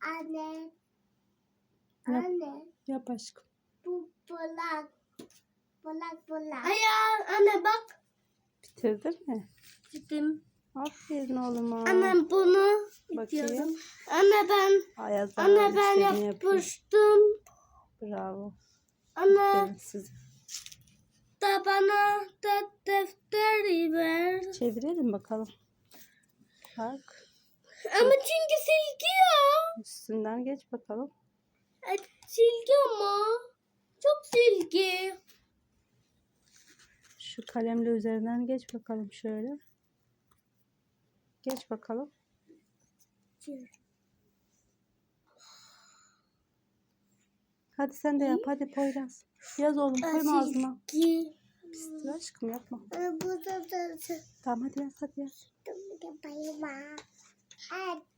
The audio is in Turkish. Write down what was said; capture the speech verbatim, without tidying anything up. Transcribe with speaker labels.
Speaker 1: Anne.
Speaker 2: Yap,
Speaker 1: Anne.
Speaker 2: yap aşkım.
Speaker 1: Bu bulak. Bulak bulak. Hayır anne bak.
Speaker 2: Bitirdin mi?
Speaker 1: Gittim.
Speaker 2: Aferin oğluma.
Speaker 1: Anne bunu
Speaker 2: Bakayım.
Speaker 1: yapıyordum. Anne ben.
Speaker 2: Ayaz
Speaker 1: Anne ben yapmıştım.
Speaker 2: Bravo.
Speaker 1: Anne
Speaker 2: Aferin size.
Speaker 1: da bana da defteri ver.
Speaker 2: Çevirelim bakalım. Bak.
Speaker 1: Ama çünkü silgi ya.
Speaker 2: Üstünden geç bakalım.
Speaker 1: E, silgi ama. Çok silgi.
Speaker 2: Şu kalemle üzerinden geç bakalım şöyle. Geç bakalım. Hadi sen de yap. Hadi Poyraz. Yaz oğlum. Koyma ağzına.
Speaker 1: Silgi.
Speaker 2: Pistir aşkım yapma.
Speaker 1: Bu da da.
Speaker 2: Tamam hadi yaz hadi yaz.
Speaker 1: Bayıma.